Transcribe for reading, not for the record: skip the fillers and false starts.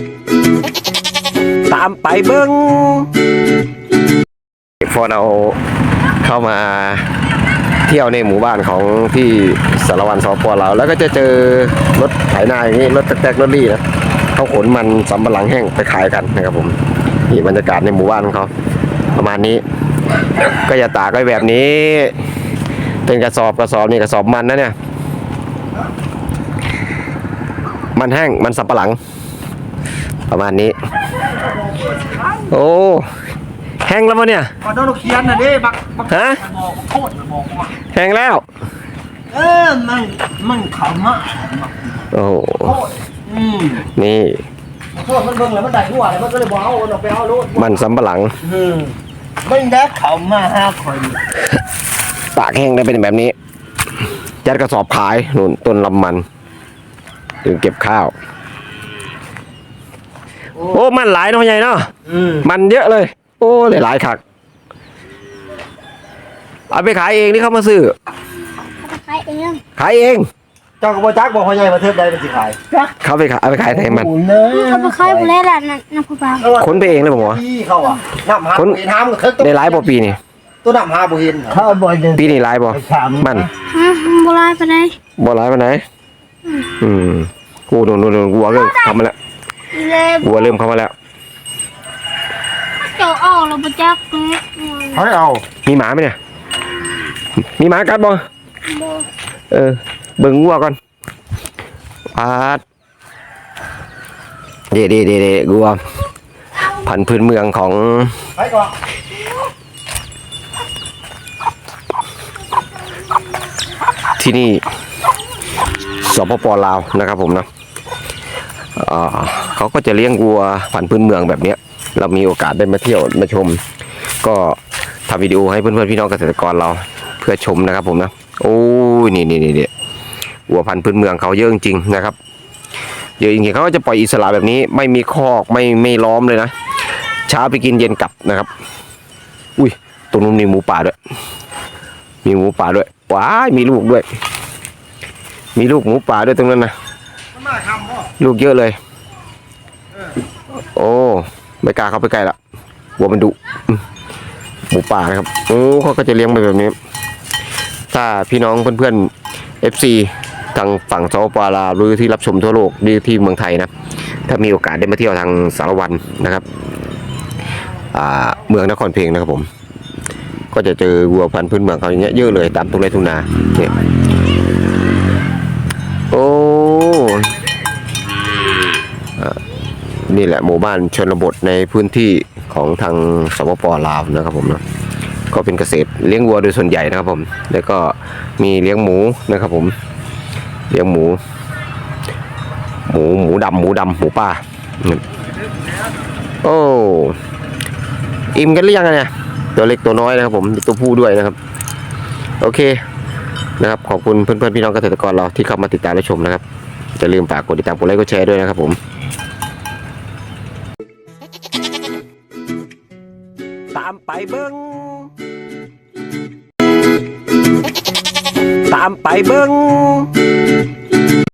ตามไปเบิ้งพอเราเข้ามาเที่ยวในหมู่บ้านของพี่สารวัตรสป.ลาวแล้วก็จะเจอรถไถนาอย่างนี้รถแตกรถรี่นะเขาขนมันสำปะหลังแห้งไปขายกันนะครับผมนี่บรรยากาศในหมู่บ้านของเขาประมาณนี้ก็จะตากไว้แบบนี้เป็นกระสอบนี่กระสอบมันนะเนี่ยมันแห้งมันสำปะหลังประมาณนี้โอ้แห้งแล้วมั้งเนี่ยโดนเขียนนะเด้บักฮะโคตรบอกว่าแห้งแล้วมันขำอ่ะโอ้นี่โทษมันเบิ่งแล้วมันได้หัวแล้วมันก็เลยบอกเอาออกไปเอาลูกมันสำปะหลังไม่ได้ขำมา5 คนตากแห้งได้เป็นแบบนี้ยัดกระสอบขายนู่นต้นลำมันถึงเก็บข้าวโอ้มันหลายเนาะใหญ่เนาะมันเยอะเลยโอ้หลายคักเอาไปขายเองนี่เขามาซื้อขายเองเจ้ากระบอกจักบอกพ่อใหญ่มาเทิดได้เป็นสิขายเขาไปขายเอาไปขายให้มันเขาไปขายไปแล้วนะพ่อบ้าขนไปเองเลยผมว่าเขาอ่ะน้ำหาบุหินห้ามได้หลายปีนี่ตัวน้ำหาบุหินเขาบ่อยปีนี้หลายมันบ่หลายไปไหนกูโดนวัวเริ่มเข้ามาแล้ววัวเริ่มเข้ามาแล้วเจ้าเอาเราไปจักเขาเอามีหมาไหมเนี่ยมีหมากัดบ่เบิ่งวัวก่อนเด็ดวัวพันธุ์พื้นเมืองของที่นี่สปป.ลาวนะครับผมนะเขาก็จะเลี้ยงวัวพันธุ์พื้นเมืองแบบนี้เรามีโอกาสได้มาเที่ยวมาชมก็ทำวิดีโอให้เพื่อนๆพี่น้องเกษตรกรเราเพื่อชมนะครับผมนะโอ้ยนี่วัวพันธุ์พื้นเมืองเขาเยอะจริงๆนะครับเยอะจริงๆเขาก็จะปล่อยอิสระแบบนี้ไม่มีคอกไม่ล้อมเลยนะเช้าไปกินเย็นกลับนะครับอุ้ยตรงนู้นมีหมูป่าด้วยว้ายมีลูกด้วยมีลูกหมูป่าด้วยตรงนั้นนะลูกเยอะเลยโอ้ไม่กล้าเข้าไปใกล้ละวัวมันดุหมูป่านะครับโอ้เขาก็จะเลี้ยงไปแบบนี้ถ้าพี่น้องเพื่อนๆ FC ทางฝั่งสปป.ลาวหรือที่รับชมทั่วโลกหรือที่เมืองไทยนะถ้ามีโอกาสได้มาเที่ยวทางสารวันนะครับเมืองนครเพ็งนะครับผมก็จะเจอวัวพันธุ์พื้นเมืองเขาอย่างเงี้ยเยอะเลยตามทุ่งไร่ทุ่งนาเนี่ยโอ้นี่แหละหมู่บ้านชนบทในพื้นที่ของทางสปป.ลาวนะครับผมนะก็เป็นเกษตรเลี้ยงวัวโดยส่วนใหญ่นะครับผมแล้วก็มีเลี้ยงหมูนะครับผมเลี้ยงหมูดำหมูป่าโอ้อิ่มกันหรือยังเนี่ยตัวเล็กตัวน้อยนะครับผมตัวผู้ด้วยนะครับโอเคนะครับขอบคุณเพื่อนๆพี่น้องเกษตรกรเราที่เข้ามาติดตามและชมนะครับอย่าลืมฝากกดติดตามกดไลค์กดแชร์ด้วยนะครับผมตามไปเบิ้งตามไปเบิ้ง